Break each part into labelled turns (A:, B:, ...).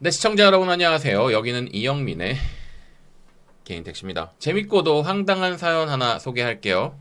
A: 네, 시청자 여러분 안녕하세요. 여기는 이영민의 개인 택시입니다. 재밌고도 황당한 사연 하나 소개할게요.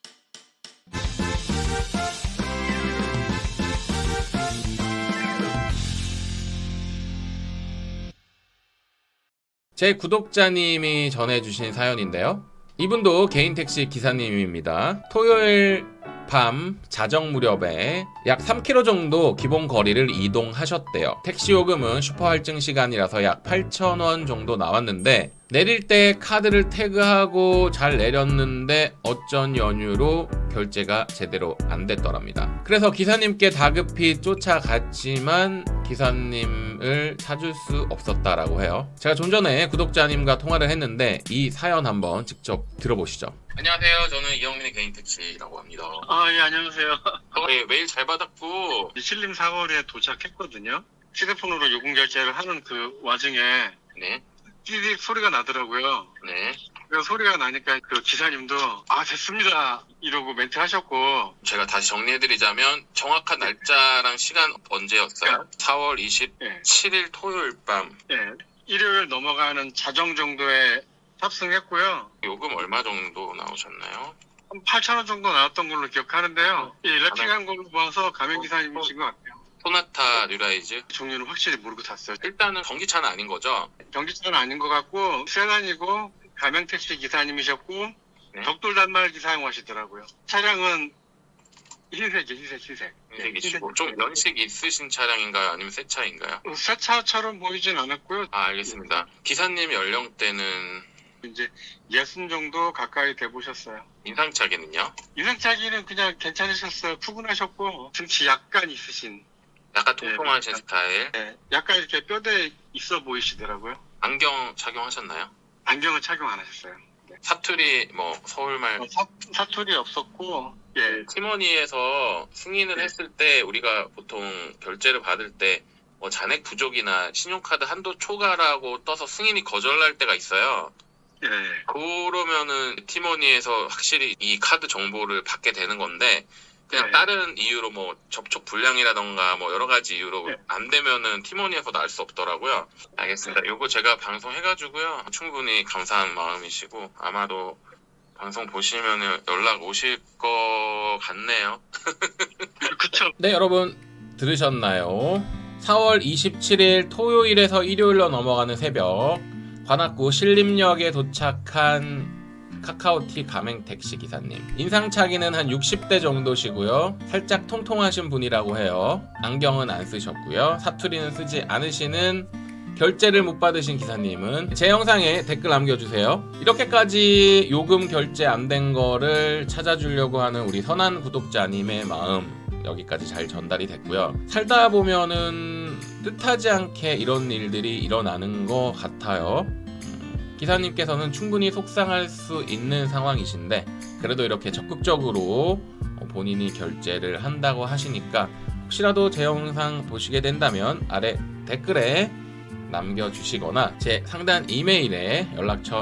A: 제 구독자님이 전해주신 사연인데요. 이분도 개인 택시 기사님입니다. 토요일 밤 자정 무렵에 약 3km 정도 기본 거리를 이동하셨대요. 택시 요금은 슈퍼 할증 시간이라서 약 8,000원 정도 나왔는데 내릴 때 카드를 태그하고 잘 내렸는데 어쩐 연유로 결제가 제대로 안 됐더랍니다. 그래서 기사님께 다급히 쫓아갔지만 기사님을 찾을 수 없었다라고 해요. 제가 좀 전에 구독자님과 통화를 했는데 이 사연 한번 직접 들어보시죠. 안녕하세요. 저는 이영민의 개인 택시라고 합니다.
B: 예, 안녕하세요.
A: 네, 메일 잘 받았고
B: 신림 사거리에 도착했거든요. 휴대폰으로 요금 결제를 하는 그 와중에
A: 네,
B: 띠릭 소리가 나더라고요.
A: 네.
B: 그 소리가 나니까 그 기사님도 됐습니다 이러고 멘트 하셨고,
A: 제가 다시 정리해드리자면 정확한 날짜랑 시간 언제였어요? 4월 27일 토요일 밤.
B: 예, 일요일 넘어가는 자정 정도에 탑승했고요.
A: 요금 얼마 정도 나오셨나요?
B: 한 8,000원 정도 나왔던 걸로 기억하는데요. 랩핑한 걸로 봐서 가맹기사님이신 것 같아요.
A: 소나타 뉴라이즈.
B: 종류는 확실히 모르고 탔어요.
A: 일단은 전기차는 아닌 거죠?
B: 전기차는 아닌 것 같고 세단이고 가맹택시 기사님이셨고,
A: 네.
B: 벽돌 단말 기사 사용하시더라고요. 차량은 흰색.
A: 흰색이시고 좀 연식 있으신 차량인가요? 아니면 새 차인가요?
B: 새 차처럼 보이진 않았고요.
A: 알겠습니다. 기사님 연령대는
B: 이제 60 정도 가까이 돼 보셨어요.
A: 인상착의는요?
B: 인상차기는 그냥 괜찮으셨어요. 푸근하셨고 등치 약간 있으신,
A: 약간 통통하신 스타일.
B: 약간 이렇게 뼈대 있어 보이시더라고요.
A: 안경 착용하셨나요?
B: 안경은 착용 안 하셨어요.
A: 사투리 서울말.
B: 사투리 없었고, 예.
A: 티머니에서 승인을
B: 네.
A: 했을 때 우리가 보통 결제를 받을 때 잔액 부족이나 신용카드 한도 초과라고 떠서 승인이 거절날 때가 있어요.
B: 예.
A: 그러면은 티머니에서 확실히 이 카드 정보를 받게 되는 건데 그냥
B: 네.
A: 다른 이유로 접촉 불량이라던가 여러 가지 이유로
B: 네.
A: 안 되면은 티머니에서도 알 수 없더라고요. 알겠습니다. 요거 제가 방송해가지고요. 충분히 감사한 마음이시고 아마도 방송 보시면은 연락 오실 것 같네요.
B: 그쵸.
A: 네, 여러분 들으셨나요? 4월 27일 토요일에서 일요일로 넘어가는 새벽 관악구 신림역에 도착한 카카오티 가맹 택시 기사님. 인상차기는 한 60대 정도시고요. 살짝 통통하신 분이라고 해요. 안경은 안 쓰셨고요. 사투리는 쓰지 않으시는, 결제를 못 받으신 기사님은 제 영상에 댓글 남겨주세요. 이렇게까지 요금 결제 안 된 거를 찾아주려고 하는 우리 선한 구독자님의 마음 여기까지 잘 전달이 됐고요. 살다 보면은 뜻하지 않게 이런 일들이 일어나는 것 같아요. 기사님께서는 충분히 속상할 수 있는 상황이신데 그래도 이렇게 적극적으로 본인이 결제를 한다고 하시니까 혹시라도 제 영상 보시게 된다면 아래 댓글에 남겨주시거나 제 상단 이메일에 연락처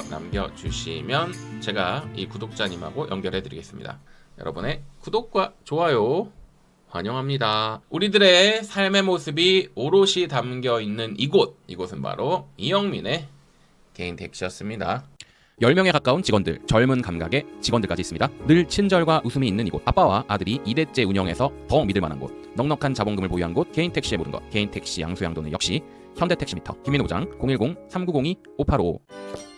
A: 남겨주시면 제가 이 구독자님하고 연결해드리겠습니다. 여러분의 구독과 좋아요 환영합니다. 우리들의 삶의 모습이 오롯이 담겨있는 이곳은 바로 이영민의 개인 택시였습니다.
C: 10명에 가까운 직원들, 젊은 감각의 직원들까지 있습니다. 늘 친절과 웃음이 있는 이곳, 아빠와 아들이 2대째 운영해서 더 믿을 만한 곳, 넉넉한 자본금을 보유한 곳, 개인 택시의 모든 것, 개인 택시 양수양도는 역시 현대택시미터. 김민호 부장 010-3902-5855.